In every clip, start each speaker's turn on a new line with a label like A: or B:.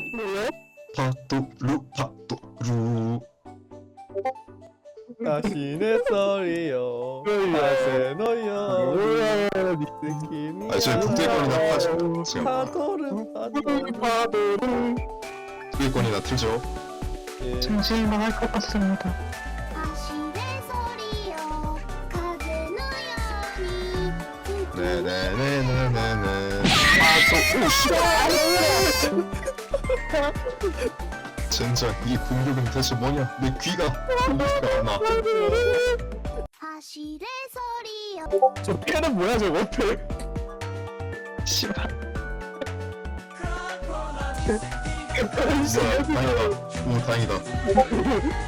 A: 뭐야?
B: 파도루 파도루.
C: 다시네 썰이요 하세 너요
A: 뭐야?
C: 느낌이
B: 아 저희 북대권이나 파죠. 지금
C: 파도를
A: 파도를
B: 북대권이나 틀죠.
C: 예.
A: 정신만 할 것 같습니다.
D: 다시네 소리요風のように
B: 네네네네네네. 젠장 이 공격은 대체 뭐냐? 내 귀가 공격이 안 나.
D: 走れソリよ
A: 저 패는 뭐야 저거 패? 씨발.
B: 뭐야 다행이다. 오 다행이다.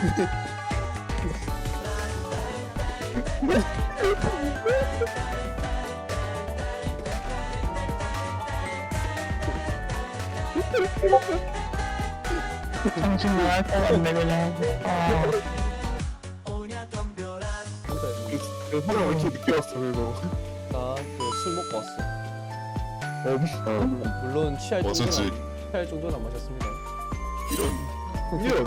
A: 정신만 할 것 같네 그냥. 그 사람 왜 이렇게 늦게 왔어 그거?
C: 나술 먹고 왔어.
A: 없어.
C: 물론
B: 어쩌지?
C: 취할 정도는 안 마셨습니다.
B: 이런.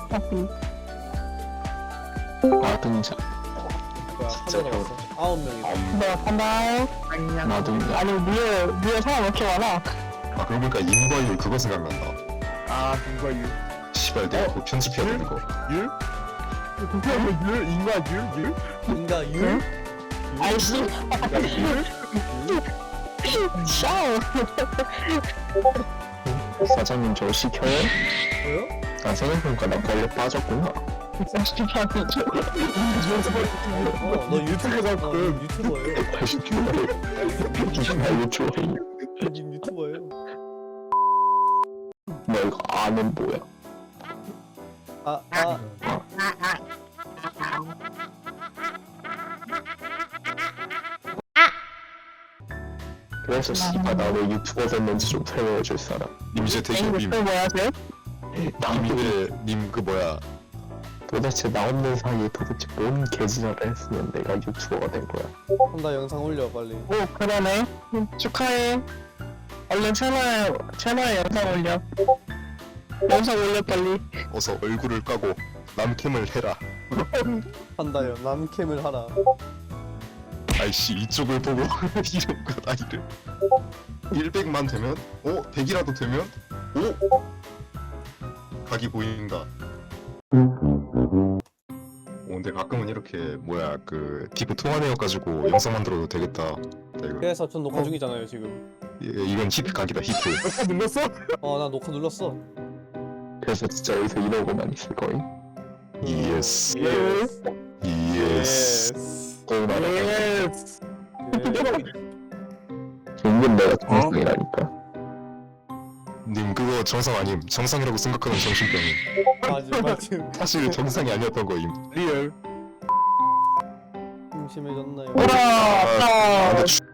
A: 아 등장.
C: 뭐야
B: 진짜
C: 한잔 남았어. 9명이다.
A: 나 간다. 나도 아니 위에 사람 왜 이렇게 많아?
B: 아 그러고 보니까 인과율 그거 생각난다.
A: 아 누가 유?
B: 시발 내가 그거 편집해야 되는 거.
A: 율? 율? 인가 율?
C: 인가 유?
A: 아이씨. 샤워. 사장님 저 시켜요?
C: 뭐요?
A: 아 생각해보니까 나 벌레 빠졌구나. 사장님 저
C: 너 유튜버잖아. 너 유튜버예요.
A: 다시 출발해. 유튜버예요.
C: 님 유튜버예요.
A: 너 이거 아는 뭐야?
C: 아
A: 그래서 씨발 나 왜 유튜버 됐는지 좀 설명해줄 사람.
B: 님 이제 되신 님.
A: 뭐 하세요?
B: 님그 뭐야?
A: 도대체 나 없는 사이에 도대체 뭔 개지랄을 했으면 내가 유튜버가 된 거야.
C: 한다 영상 올려 빨리.
A: 오 그러네. 축하해. 얼른 채널에 영상 올려. 영상 올려 빨리.
B: 어서 얼굴을 까고 남캠을 해라.
C: 한다요. 남캠을 하라.
B: 아이씨 이쪽을 보고 이런 거 나이를 100만 되면 100이라도 되면 각이 보인다. 근데 가끔은 이렇게 뭐야 그 디프 통화내어가지고 영상 만들어도 되겠다. 이거
C: 그래서 전 녹화 중이잖아요 지금.
B: 이건 히트 각이다 히트.
A: 눌렀어?
C: 나 녹화 눌렀어.
A: 그래서 진짜 여기서 이러고만 있을 거임.
B: 예스
C: 예스.
B: 예스.
A: 예스.
C: 예.
A: 은근 내가 정상이라니까.
B: 님 그거 정상 아님. 정상이라고 생각하는 정신병임.
C: 맞음.
B: 사실 정상이 아니었던 거임.
A: 리얼.
C: 심심해졌나요?
A: 오라.
B: 근데